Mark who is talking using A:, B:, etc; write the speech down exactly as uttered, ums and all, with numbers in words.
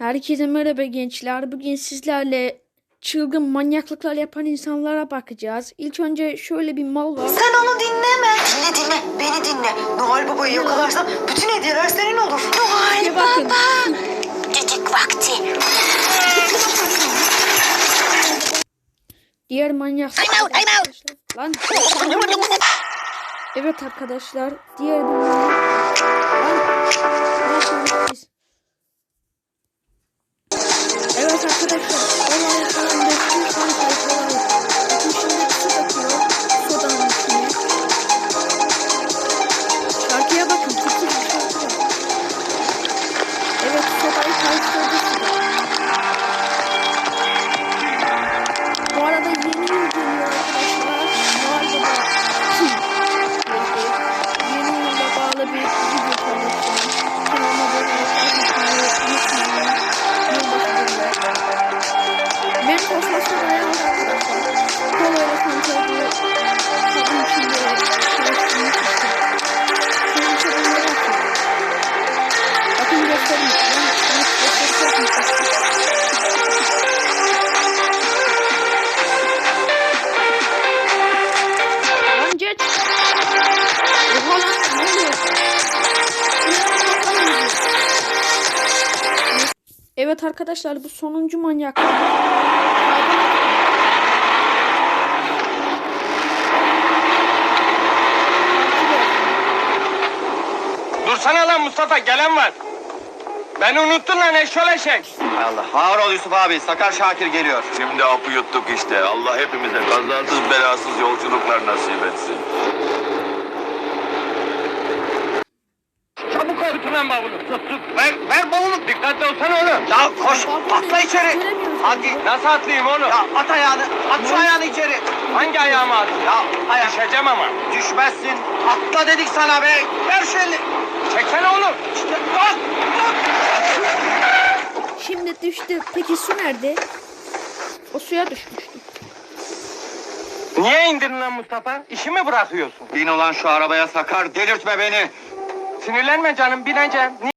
A: Herkese merhaba gençler. Bugün sizlerle çılgın manyaklıklar yapan insanlara bakacağız. İlk önce şöyle bir mal var.
B: Sen onu dinleme. Dinle dinle. Beni dinle. Noel Baba'yı yakalarsan bütün hediyeler senin olur. Noel
A: bakın.
B: Baba. Cicik vakti.
A: Diğer manyaklıklar.
B: I'm out, I'm out.
A: Lan. Evet arkadaşlar. Diğer bir manyak. Lan. Ne yapıyoruz biz? Evet arkadaşlar. Olay falan döktüm. Kan sayfaları. Bakın şimdi su döküyor. Sodanın içine. Şarkıya bakın. Tıkır bir şarkı. Evet sodayı karıştırdı suda. Bu arada yeni yıl geliyor arkadaşlar. Noel Baba. Yeni yıla bağlı bir video paylaşacağım. Kanalıma abone olmayı unutmayın. Ben postasını ayarladım arkadaşlar. Kolayla kontrol ediyor. Kabın içinde karıştırmış işte. Şöyle çabuklara bakın. Bakın göstereyim. Ben bunu göstereyim. Lan geç. Oha lan ne oluyor? Evet arkadaşlar bu sonuncu manyak.
C: Dursana lan Mustafa, gelen var. Beni unuttun lan eşşol eşek.
D: Allah. Ağır ol Yusuf abi. Sakar Şakir geliyor.
E: Şimdi apı yuttuk işte. Allah hepimize kazasız belasız yolculuklar nasip etsin.
C: Çabuk ol, tutun lan bavulu. Tut tut. Ver, ver bavulu. Dikkatli olsana oğlum.
D: Ya koş. Atla içeri.
C: Hadi. Nasıl atlayayım oğlum?
D: Ya at ayağını. At şu ayağını içeri.
C: Hangi ayağıma atayım?
D: Ya ayak.
C: Düşeceğim ama.
D: Düşmezsin. Atla dedik sana be. Ver şu elini.
C: Çekene oğlum.
D: İşte at.
A: Şimdi düştü. Peki su nerede? O suya düşmüştü.
C: Niye indirdin lan Mustafa? İşi mi bırakıyorsun?
D: Bin ulan şu arabaya Sakar. Delirtme beni.
C: Sinirlenme canım, bineceğim.